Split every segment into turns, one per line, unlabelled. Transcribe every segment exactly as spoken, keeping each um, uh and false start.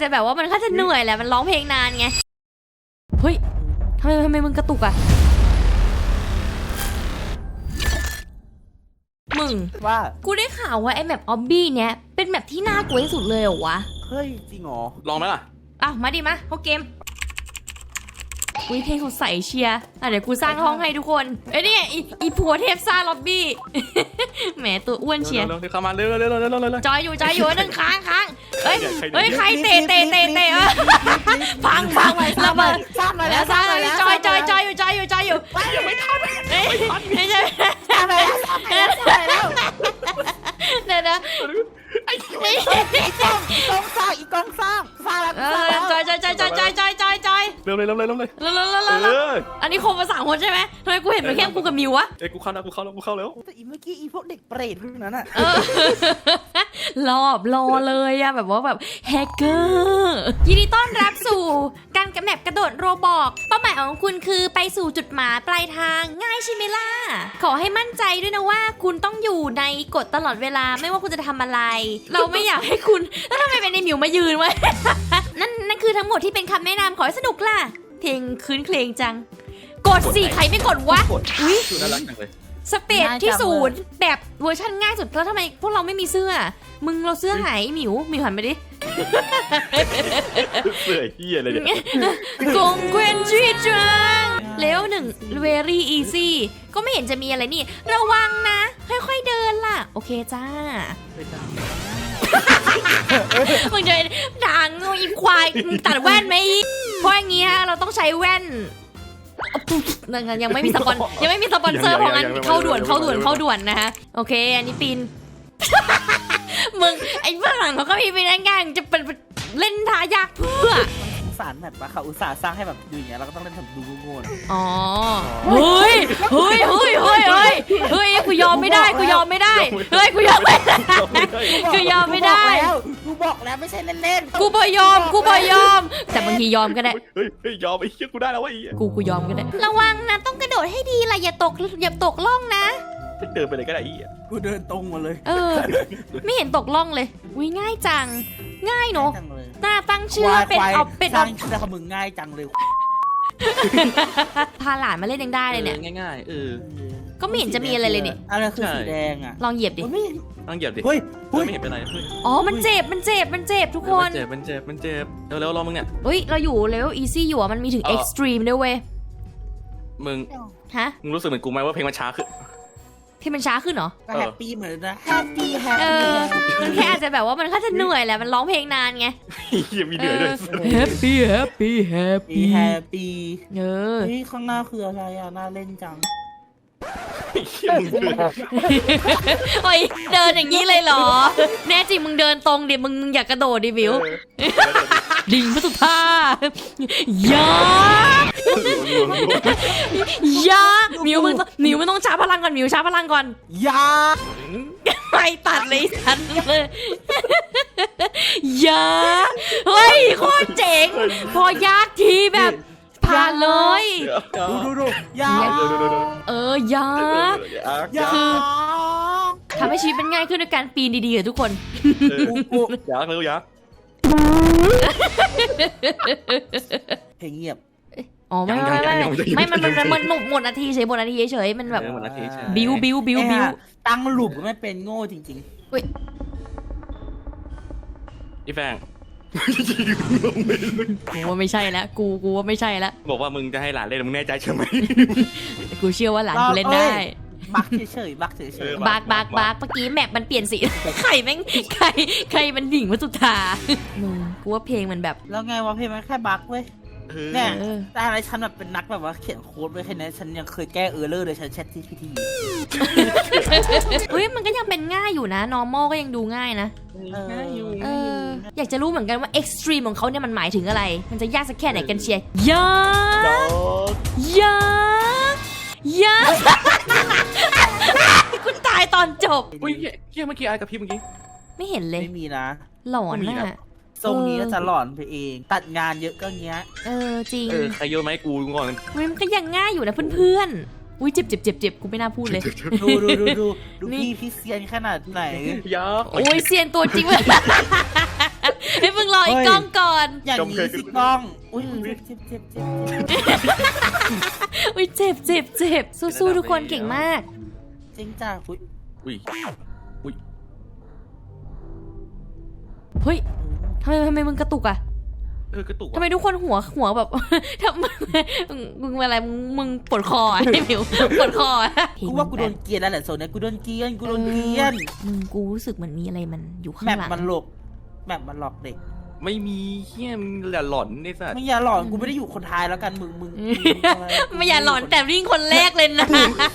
จะแบบว่ามันก็จะเหนื่อยแหละมันร้องเพลงนานไงเฮ้ยทำไมทำไมมึงกระตุกอะมึง
ว่า
กูได้ข่าวว่าไอ้แมปออบบี้เนี้ยเป็นแมปที่น่ากลัวที่สุดเลยเหรอวะ
เฮ้ยจริงเหรอ
ลองไหมล่ะ
อ้าวมาดิมาเข้าเกมอุ้ยเพลงสดใสเชียร์อ่ะเดี๋ยวกูสร้างห้องให้ทุกคนเอ้ยนี่อีอีผัวเทพซ่าล็อบบี้แหมตัวอ้วนเชียร์
เร็วๆเข้ามาเร็วๆเร็วๆเร็วๆเร็วๆ
จอยอยู่จอยอยู่นึงค้างค้างเฮ้ยเฮ้ยใครเตะเตะเตะเตะพังพังระเบิด
สร้างเลย
แล้วสร้างเลยจอยจอยจอยอยู่จอยอยู่จอยอยู่
ยังไม่ทัน
เฮ้ยไม่ใช่
สร้างเลยสร้างเลยสร้างเลย
เดี๋ยวนะ
ไอ้กองกองสร้างอีกกองสร้างสร้างแล้ว
จอยจอยจอยจอยจอยจอยจอยจอย
เร็วเลยเร็วเลยเร็วเลย
เร็วเร็วเร็วเร็วอันนี้คงมาสามคนใช่ไหมทำไมกูเห็นมันแค่กูกับมิววะ
เอ้ยกูเข้าแล้วกูเข้าแล้วกูเข้าแล้ว
แต่อีเมื่อกี้อีพวกเด็กเปรตพวกนั้นอะ
รอบรอเลยอะแบบว่าแบบแฮกเกอร์ยินดีต้อนรับสู่การกระแมปกระโดดโรบอกเป้าหมายของคุณคือไปสู่จุดหมายปลายทางง่ายใช่ไหมล่ะขอให้มั่นใจด้วยนะว่าคุณต้องอยู่ในกฎตลอดเวลาไม่ว่าคุณจะทำอะไรเราไม่อยากให้คุณแล้วทำไมเป็นในหมิวมายืนวะ นั่นนั่นคือทั้งหมดที่เป็นคำแนะนำขอให้สนุกล่ะเพลงคืนเพลงจังกดสิใครไม่กดวะอุ้ย
น่ารักจังเลย
สเปดที่ศูนย์แบบเวอร์ชันง่ายสุดแล้วทำไมพวกเราไม่มีเสื้อมึงเราเสื้อหายหมิวหมิวหันไปดิ
เสื้อเหี้ยอะไรเนี่ย
กงเกวนจีจังเลเวลหนึ่ง very easy ก็ไม่เห็นจะมีอะไรนี่ระวังนะค่อยๆเดินล่ะโอเคจ้ามึงจะด่างงูอีควายตัดแว่นไหมเพราะอย่างงี้ฮะเราต้องใช้แว่นยังไม่มีสปอนยังไม่มีสปอนเซอร์เพราะงั้นเข้าด่วนเข้าด่วนเข้าด่วนนะฮะโอเคอันนี้ปีนมึงไอ้ฝรั่งเขาก็มีไปได้ง่ายจะเป็นเล่นท่ายากเพื่อ
สารแบบว่าเขาอุตส่าห์สร้างให้แบบดูอย่างเงี้ยเราก็ต้องเล่นแบบดูโง่ๆ
อ๋อเฮ้ยเฮ้ยเฮ้ยเฮ้ยเฮ้ยเฮ้ยกูยอมไม่ได้กูยอมไม่ได้เฮ้ยกูยอมไม่ได้กูยอมไม่ได้
กูบอกแล้วไม่ใช่เล่น
ๆกูบ่ยอมกูบ่ยอมแต่บางทียอมก็ได้
เฮ้ยเฮ้ยยอมไอ้เหี้ยกูได้แล้ววะไอ้
กูกูยอมก็ได้ระวังนะต้องกระโดดให้ดีล่ะอย่าตกอย่าตกล่องนะ
เดินไปเลยก็ได้ไอ้
กูเดินตรงมาเลย
เออไม่เห็นตกล่องเลยอุ้ยง่ายจังง่ายเนาะน่าตั้งชื่อเป็นเอาเป็น
เอาแต่ขมึงง่ายจังเลย
พาหลานมาเล่นยังได้เลยเนี่ย
ง่ายๆเออ
ก็ไม่เห็นจะมีอะไรเลยนี่
อะไรคือสีแดงอ่ะ
ลองเหยียบดิ
ลองเหยียบดิ
เฮ้ย
ไม่เห็นเป็นไร
อ๋อมันเจ็บมันเจ็บมันเจ็บทุกคน
มันเจ็บมันเจ็บมันเจ็บเร็วๆรอมึงเนี่ย
เฮ้ยเราอยู่เลเวลอีซี่อยู่อ่ะมันมีถึงเอ็กซ์ตรีมด้วยเว้ย
มึง
ฮะ
มึงรู้สึกเหมือนกูไหมว่าเพลงมันช้าขึ้น
ที่มันช้าขึ้นเหรอ
แฮปปี้เหมือนนะแฮปปี้แฮป
ปี้มันแค่อาจจะแบบว่ามันก็จะเหนื่อยแหละมันร้องเพลงนานไง
ยังมีเหนื่อยด้วย
แฮปปี้แฮปปี้แฮปปี้
แฮปปี้
เออ
นี่ข้างหน้าคืออะไรอ่ะน่าเล่นจัง
โอ้ยเดินอย่างนี้เลยเหรอแน่จริงมึงเดินตรงดิมึงอยากกระโดดดิวิวดิ่งพระสุธายายามิวมึงมิวมึงต้องชาร์จพลังก่อนมิวชาร์จพลังก่อน
ยา
ไปตัดเลยทันเลยยาเฮ้ยโคตรเจ๋งพอยากทีแบบผ่านเลย
ดูดูดูยา
เออยาคือทำให้ชีวิตเป็นง่ายขึ้นด้วยการปีนดีๆอะทุกคน
ยักษ์เลยยักษ์
เพลงเงียบ
อ๋อไม่ไม่ไม่ไม่มันมันมันหมดนาทีเฉยหมดนาทีเฉยมันแบบบิวบิวบิวบิว
ตั้งหลุมก็ไม่เป็นโง่จริงๆ
เฮ้ย
อีแฟง
กูว่าไม่ใช่แล้วกูกูว่าไม่ใช่แล้ว
บอกว่ามึงจะให้หลานเล่นมึงแน่ใจใช่ไหม
กูเชื่อว่าหลานกูเล่นได้
บักเฉยๆบักเฉย
ๆบักบักบักเมื่อกี้แมปมันเปลี่ยนสีใครแม่งใครใครมันดิ่งวัตถุธามึงกูว่าเพลงมันแบบ
แล้วไงวะเพลงมันแค่บักเว้ยเนี่ยแต่อะไรฉันแบบเป็นนักแบบว่าเขียนโค้ดไว้แค่นี้ฉันยังเคยแก้เออร์เลอร์เลยฉันแชทที่พีที
เฮ้ยมันก็ยังเป็นง่ายอยู่นะ normal ก็ยังดูง่ายนะ
ง่ายอยู่
เอออยากจะรู้เหมือนกันว่า extreme ของเขาเนี่ยมันหมายถึงอะไรมันจะยากสักแค่ไหนกันเชียร์ยายายาคุณตายตอนจบ
อุ้ยเฮียเมื่อกี้ไอ้กับพี่เมื่อกี้
ไม่เห็นเลย
ไม่มีนะ
หลอนน่ะ
ทรงนี้ก็จะหลอนไปเองตัดงานเยอะก็เงี้ย
เออจริง
เออใครเยอะไหมกูก่อน
มันก็ยังง่ายอยู่นะเพื่อนๆอุ้ยเจ็บเจ็บเจ็บเจ็บกูไม่น่าพูดเลย
ดูดูดูดูดูพี่พี่เซียนขนาดไหน
ยักษ์
โอ้ยเซียนตัวจริงเลยให้มึงรออีกกล้องก่อน
อย่างนี้สิกล้องอุ้ยเจ็บเจ็บเจ็บเจ็บ
อุ้ยเจ็บเจ็บเจ็บสู้ๆทุกคนเก่งมาก
จริงจ้าอุ้ย
อุ้ยอุ้ย
เฮ้ยทำไมทำไมมึงกระตุกอะ
เออกระตุก
ทำไมทุกคนหัวหัวแบบ ทำไมมึงมึงอะไรมึงมึงปวดคออะไอ้หมิวปวดคออะ
กูว่ากูโดนเกลียนแล้วแหละโซนนี้กูโดนเกลียนกูโดนเกลียน
มึงกูรู้สึกเหมือนมีอะไรมันอยู่ข้าง
แมป
หลัง
มันหลอกแมปมันหลอกเด็ก
ไม่มีเฮี้ยมงอย่าหลอนไอ้สัตว์
ไม่อย่าหลอนกูไม่ได้อยู่คนท้ายแล้วกันมึงมึง
ไม่อย่าหลอนแต่วิ่งคนแรกเลยนะ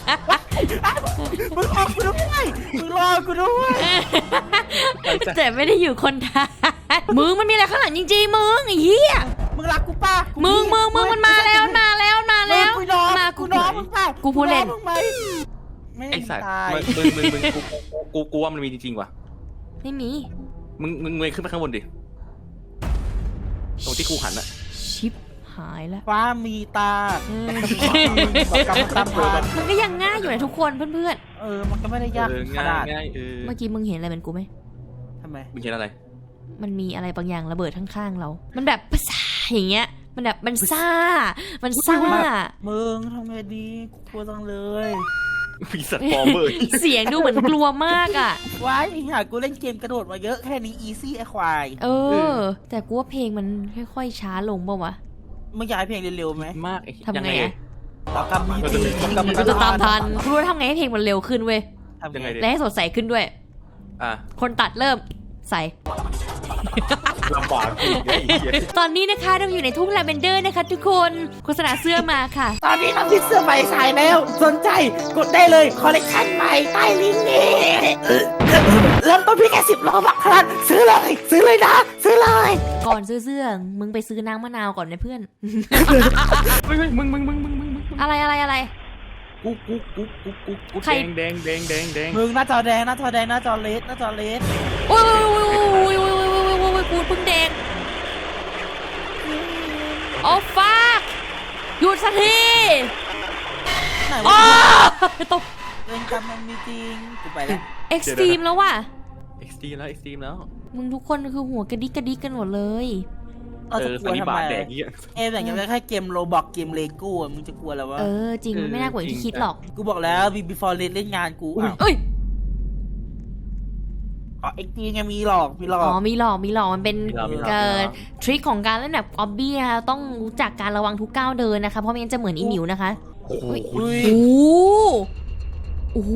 มึงรอกูด้วยมึงรอกูด้วย
แต่ไม่ได้อยู่คนท้ายมึงมันมีอะไรข้างหลังจริงๆมึงไอ้เหี้ย
มึงรักกูป่ะ
มึงมึงมึงมันมาแล้วมันมาแล้วมันมาแล้ว
กูน้อง
มา
กูน้องมึงป่ะ
กูพูดเล่น
มึงไหมไม่
ไอ้สัตว์
ตาย
มึงมึงมึงมึงกูกูกูว่ามันมีจริงๆว่ะ
ไม่มี
มึงมึงเงยขึ้นไปข้างบนดิตรงที่กูหันอะ
ชิปหายแล้ว
ฟ้ามีตา
เออ
กำตามพาน
มันก็ยังง่ายอยู่นะทุกคนเพื่อน
เออมันก็ไม่ได้ยาก
เออ
ข
ง่าย
นาด
ง่ายเออ
ๆ เมื่อกี้มึงเห็นอะไรเป็นกูไหม
ทำไม
มึงเห็นอะไร
มันมีอะไรบางอย่างระเบิดข้างๆเรา มันแบบภาษาอย่างเงี้ย มันแบบมันซ่า มันซ่า
มึงทำไงดีกูกลัวจังเลย
มีสัตว์ฟอร์เมอร์
เสียงดูเหมือนกลัวมากอ่ะ
ว้ายหากูเล่นเกมกระโดดมาเยอะแค่นี้อีซี่ไอควาย
เออ แต่กูว่าเพลงมันค่อยๆช้าลงป่าวะ
มึงอยากให้เพลงเร็วๆไหม
มากไอ้
ทำไง
ยังไง
อะ
ต่อกำมีจริงต่อกำ
กูจะตามทันกูรู้ทำไงให้เพลงมันเร็วขึ้นเว้ย
ยังไงดิ
และให้สดใสขึ้นด้วย
อ่ะ
คนตัดเริ่มใส่
ลำบากอีกไอ้เหี้ย
ตอนนี้นะคะเราอยู่ในทุ่งลาเวนเดอร์นะคะทุกคนโฆษณาเสื้อมาค่ะ
ตอนนี้เรามีเสื้อใหม่ขายแล้ว สนใจกดได้เลยคอลเลคชันใหม่ใต้ลิงก์นี้เออเริ่มต้นเพียงแค่สิบโลบาทเท่านั้นซื้อเลย ซื้อเลยนะ ซื้อเลย
ก่อนซื้อเสื้อมึงไปซื้อน้ำมะนาวก่อนนะเพื่อน
เฮ้ยเฮ้ยมึงมึงมึงมึงมึงมึง
อะไรอะไรอะไร
กูกูกูกูกูกู
ใคร
แดงแดงแดงแดงแดง
มึงหน้าจอแดงหน้าจอแดงหน้าจอเลสหน้าจอเลส
โอ้ยโอ้ยโอ้ยโอ้ยโอ้ยโอ้ยโอ้ยโอ้ยกูเพิ่งแดงโอ้ฟักหยุดสักที
ไหน
โอ้
วะ
ตก
เล่นกันมันมีจริงกูไปแล้ว
เอ็กซ์ตรีมแล้วว่ะ
เอ็กซ์ตรีมแล้วเอ็กซ์ตรีมแล้ว
มึงทุกคนคือหัวกระดิกกระดิกกันหมดเลย
เออ
เอ
จะ
อก
ลั
สั
วน
นิ
ทำ
บา
ไม
ตแดงเงี้ย
เกมอย่างเงี้ยแค่เกมโรบอกเกมเลโก้มึงจะกลัวแล้ววะ
เออจริงมันไม่น่ากลัวอย่างที่คิดหรอก
กูบอกแล้วบีบีฟอร์เรสเล่นงานกูอ่ะ
เอ้ย
อ๋อเอ็กซ์ตีไงมีหลอกมีหลอ
อ๋
ก
อมีหลอกมีหลอกมันเป็น
มีเรามีเรา
เกิดทริคของการเล่นแบบออบบี้นะคะต้องรู้จักการระวังทุกก้าวเดินนะคะเพราะไม่งั้นจะเหมือนอีหมิวนะคะ
โอ้โห
อุ้ย
โอ้โอ้โห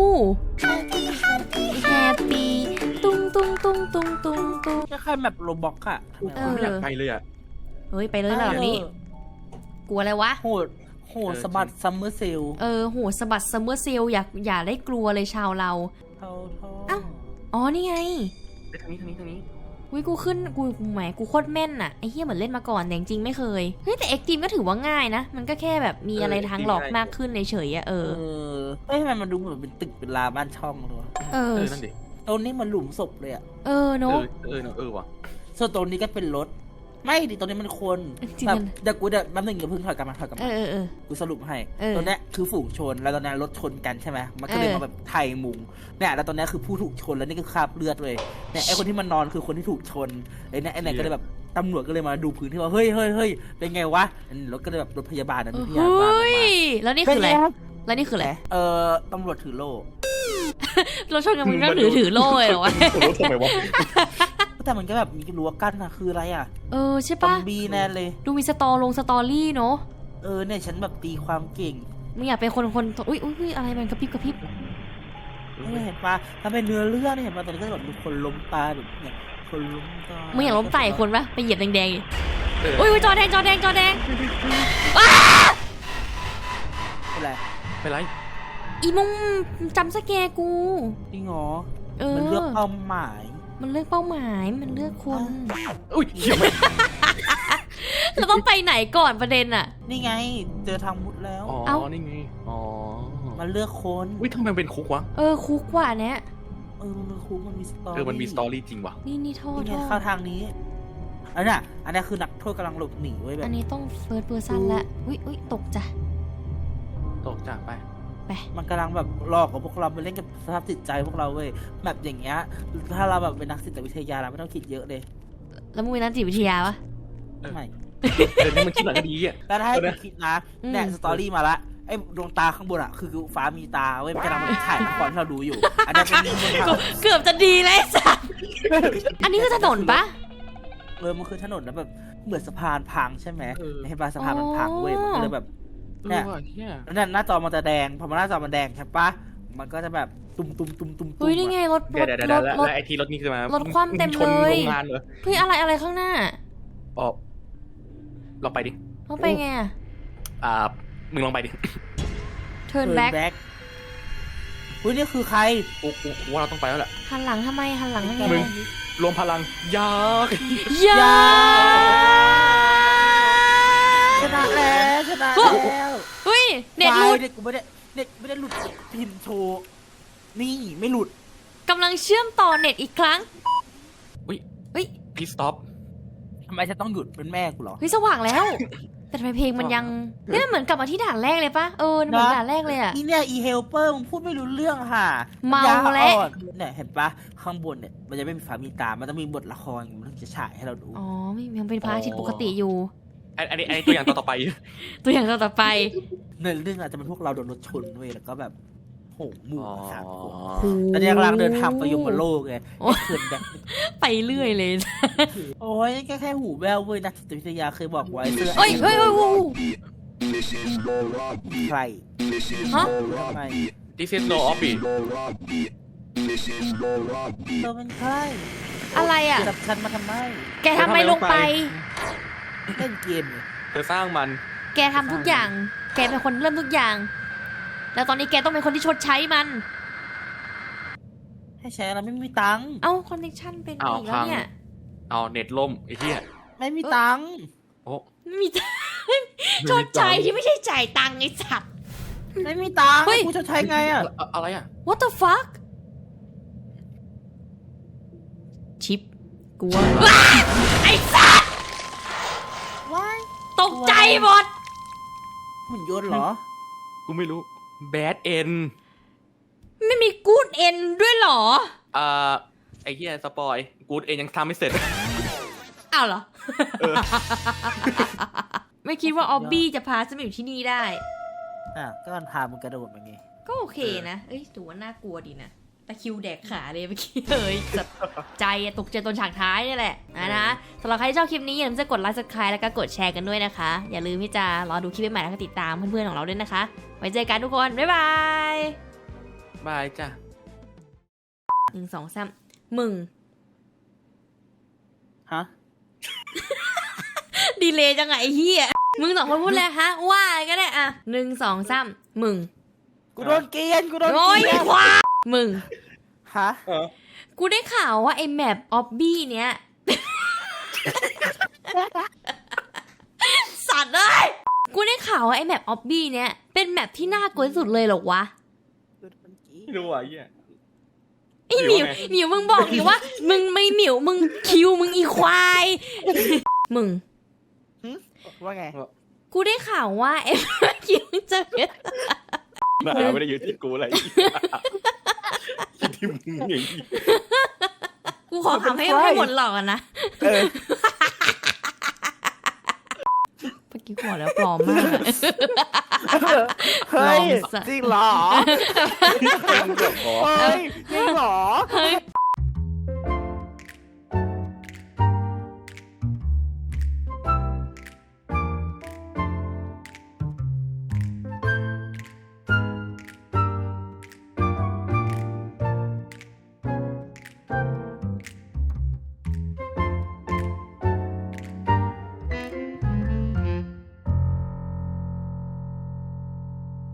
แฮปปี้ตุ้งตุ้งตุ้งตุ้งตุ้งตุ้ง
แค่แค่แบบโรบอกอะ
เออ
ไม่อยากไปเลยอ่ะ
เฮ้ยไปเลยระดับนี้ กลัวอะไรวะ
โหดโหดสะบัดซัมเมอร์เซล
เออโหสะบัดซัมเมอร์เซลอย่าอย่าได้กลัวเลยชาวเรา
เท่าทอง
เอ้า อ๋อนี่ไง
ไปทางนี้ทางนี้ทางนี้
วิกูขึ้นกูกูแหมกูโคตรแม่นอะไอ้เหี้ยเหมือนเล่นมาก่อนแต่จริงๆไม่เคย เฮ้ยแต่เอ็กตีมก็ถือว่าง่ายนะ มันก็แค่แบบมีอะไรทางหลอกมากขึ้นเฉยๆอะเอ
เอ
อ
อเอ้ยทำไมมันดูเหมือนเป็นตึกเป็นลาบ้านช่องเลยวะ
เออ
เออนั่นดิ
ตรงนี้มันหลุมศพเลยอะ
เออ
เอ
เนาะ
อเออเออว่ะ
ส่วนตรงนี้ก็เป็นรถ ไม่ดิตรงนี้มันคน
จริง
แบบ
มัน
เดี๋ยวกูเดี๋ยวแป๊บนึงอย่าเพิ่งถอยกลับมาถอยกลับ
เอ
มา
อเออเออ
กูสรุปให้
เออ
ตรงเนี้ยคือฝูงชนแล้วตอนเนี้ยรถชนกันใช่ไหมมันก็เลย
เออ
มาแบบไทยมุงเนี่ยแล้วตอนเนี้ยคือผู้ถูกชนแล้วนี่ก็คราบเลือดเลยเนี่ยไอคนที่มันนอนคือคนที่ถูกชนไอเนี่ยไอเนี่ยก็เลยแบบตำรวจก็เลยมาดูพื้นที่ว่าเฮ้ยเฮ้ยเฮ้ยเป็นไงวะอันนี้รถก็เลยแบบรถพยาบาลนะรถพ
เฮ
ยาบาล้
ย
มา
แล้วนี่คืออะไร แล้วนี่คืออะไร
เออตำรวจถือโล่
เราชนกันมึงก็ถือถือโล่เลยเหรอวะ
ผมรู้ทำไมวะ
แต่มันก็แบบมีรั้วกั้นนะคืออะไรอ่ะ
เออใช่
ซอ
ปะ
มบี้แน่เลย
ดูมีสตอลงสตอรี่เนาะ
เออเนี่ยฉันแบบตีความเก่ง
มึงอยากเป็นคนคนอุ้ยอุ้ยอุ้ยอะไรมันกระพริบกระพริบ
เนี่ยเห็นปะถ้าเป็นเนื้อเรื่องเนี่ยเห็นปะตอนนี้ก็แบบมีคนล้มตายแบบเนี่ยคนล้มตาย
มึงอยากล้มไต่คนปะไปเหยียบแดงๆดิ
เออ
อุ้ยอุ้ยจอแดงจอแดงจอแดง
เป็นไร
ไปไร
อีมุงจำสแกร์กู
จริงเหรอ
เออ
มันเลือกเป้าหมาย
มันเลือกเป้าหมายมันเลือกคน
อุ้ยเหี้ยไม่
เราต้องไปไหนก่อนประเด็นอะ
นี่ไง เจอทางมุดแล้ว
อ๋อ
เอ้า
นี่ไงอ๋อ
มันเลือกคน
อุ้ยทำไมมันเป็นคุกวะ
เออคุกกว่าเนี้ย
เออมันเป็นคุกมันมีสตอรี่
เออมันมีสตอรี่จริงว่ะ
นี่นี่โทษ
นี่
โท
ไง
ษ
เข้าทางนี้อันน่ะอันนี้คือนักโทษกำลังหลบหนีไว้ยแบบ
อันนี้ต้องเฟิร์สเพอร์ซันละอุ้ยอุ้ยตกจ้ะ
ตกจากไป
ไป
มันกำลังแบบหลอกกับพวกเราไปเล่นกับสภาพจิตใจพวกเราเว้ยแบบอย่างเงี้ยถ้าเราแบบเป็นนักจิตวิทยาเราไม่ต้องคิดเยอะเลย
แล้วมึงเป็นนักจิตวิทยาปะ
ไม่
เออนี่มันคิดหลังก็ดีอ่ะ
แล้วถ้าให้กูคิดนะ
อืม
เนี่ยสตอรี่มาละไอ้ดวงตาข้างบนอ่ะคือฟ้ามีตาเว้ยมันกำลังถ่ายละครที่เราดูอยู่ อันนี้เป็นบน
กูเกือบจะดีเลยสัสอันนี้คือถนนปะ
เออมันคือถนนแล้วแบบเหมือนสะพานพังใช่ไหม
เออ
เห็นป่ะสะพานมันพังเว้ยมันก็เลยแบบ
เอ
เนี่
อย ว่ะเฮีย
แล้วเนี่ยหน้าจอมันจะแดงพอมันหน้าจอมันแดงใช่ปะมันก็จะแบบตุ่มตุ่มตุ่มตุ่มตุ่ม
เฮ้ยนี่ไงรถร
เดี๋ยว
ถ
เดี๋ยว
ร
เดี๋ยว
ถ
แล้ว
รถ
แล้วไอทีรถนี่คือมาร
ถคว่ำเต็ม
ชน
เลย
โรงงานเหรอ
เฮ้ยอะไรอะไรข้างหน้า
อ๋อลองไปดิ
เขาไปไงอะ
อ่ามึงลองไปดิ
turn
เทิร์น
back
แบ็คเฮ้ยนี่คือใคร
กูกูกูว่าเราต้องไปแล้วแหละ
หันหลังทำไมหันหลังทำไม
มึง รวมพลังยาก
อย่า
ชนะแล้วชนะแล้ว
เฮ้ยเน็ตหลุด
เด็กกูไม่ได้เด็กไม่ได้หลุดพินโชว์นี่ไม่หลุด
กำลังเชื่อมต่อเน็ตอีกครั้ง
อุ้ย
เฮ้ย
พีสต็อป
ทำไมฉันต้องหยุดเป็นแม่กูเหรอ
เฮ้ยสว่างแล้ว แต่ทำไมเพลงมันยังเนี่ยเหมือนกลับมาที่ด่านแรกเลยปะเออเหมือนด่านแรกเลยอะ
อีเนี่ยอีเฮลเปอร์มึงพูดไม่รู้เรื่องค่ะ
เมา
ปัญญ
แล้ว
อ่อนเนี่ยเห็นปะข้างบนเนี่ยมันจะไม่มีฟ้ามีตา มันต้องมีบทละครมันถึงจะฉายให้เราดู
อ๋อไม่ยังเป็นพระอาทิตย์ปกติอยู่
อันอันนี้อันนี้ตัวอย่างต่อต่อไป
ตัวอย่างต่อไป
ในเรื่องอาจจะเป็นพวกเราโดนรถชนเว้ยแล้วก็แบบโหหมู่กันสามคน
อ๋อ
ตอนนี้กำลังเดินทางไปยมโลกไง
โอ้
เขื่อนแบบ
ไปเรื่อยเลย
โอ้ยนี่แค่แค่หูแววเว้ยนักจิตวิทยาเคยบอกไว้เสื้อ
เฮ้ยเฮ้ยเฮ้ยโอ้โห
ใคร
ฮะ
ทำไม
This is no office
เธอเป็นใคร
อะไรอ่ะ
จับฉันมาทำไม
แกทำไมลงไป
เล่นเกมเนี่ย
เธอสร้างมัน
แกทำทุกอย่าง แกเป็นคนเริ่มทุกอย่าง แล้วตอนนี้แกต้องเป็นคนที่ชดใช้มัน
ให้ใช้อะไรไม่มีตังค์
เอ้าคอนเนคชั่นเป็น
อ้าว
อีกแล้วเนี่ย
เอาเน็ตล่มไอ้เหี้ย
ไม่มีตังค์
โอ้
ไม่มีตังค์ชดใช้ที่ไม่ใช่จ่ายตังค์ไอ้สัตว์
ไม่มีตังค์
เฮ้ย
กูจะใช้ไงอ่ะ
อะอะไรอ่ะ
What the fuck ชิปกลัวว้าไอ้สัตว์
ว้าย
ตกใจหมด
หุ่นยนต์เหรอ
กูไม่รู้ Bad End
ไม่มีกูดเอ็นด้วยเหรอ
อ่าไอ้เหี้ยสปอยกูเองยังทำไม่เสร็จ
อ้าวเหรอ
เออ
ไม่คิดว่าออบบี้จะพาฉันมาอยู่ที่นี่ได้
อ่ะก็มันพามึงกระโดดมาไง
ก็โอเคนะ เอ้ยถือว่าน่ากลัวดีนะตะคริวแดกขาเลยเมื่อกี้เลยแบบใจอะตกใจตอนฉากท้ายนี่แหละนะนะสำหรับใครที่ชอบคลิปนี้อย่าลืมจะกดไลค์ subscribe แล้วก็กดแชร์กันด้วยนะคะ อย่าลืมที่จะรอดูคลิปใหม่ๆแล้วก็ติดตามเพื่อนๆของเราด้วยนะคะ ไว้เจอกันทุกคน บ๊ายบาย
บายจ้ะ
หนึ่งสองสามมึง
ฮะ
ดีเลยจังไงไอ้เหี้ยมึงสองคนพูดเลยฮะ ว่าก็ได้อะหนึ่งสองสามมึง
กูโดนเกลียนกูโดน
โอ้ย
เกลียน
ความึง
ฮะ
เออ
กูได้ข่าวว่าไอ้แมปออบบี้เนี้ย สัตว์เลยกูได้ข่าวว่าไอ้แมปออบบี้เนี้ยเป็นแมปที่น่ากลัวที่สุดเลยเหรอวะ
ไม่รู้อ่ะไอ้เหี้ย
ไอ้หมิว
หมิวไง
หมิวมึงบอกดิว่า มึงไม่หมิวมึงคิวมึงอีควาย มึง
ว่าไง
กูได้ข่าวว่าไอ้ คิวจะเป็น
น่าไม่ได้อยู่ที่กูอะไรที่มึงอย่างนี้
กูขอคำให้ให้หมดหลอกกันนะ
เออ
เมื่อกี้กูบอกแล้วปลอมมาก
เฮ้ย
ลองสัก
จริงเหรอ
เรื่องขอ
เฮ้ยจริงเหรอ
เฮ้ย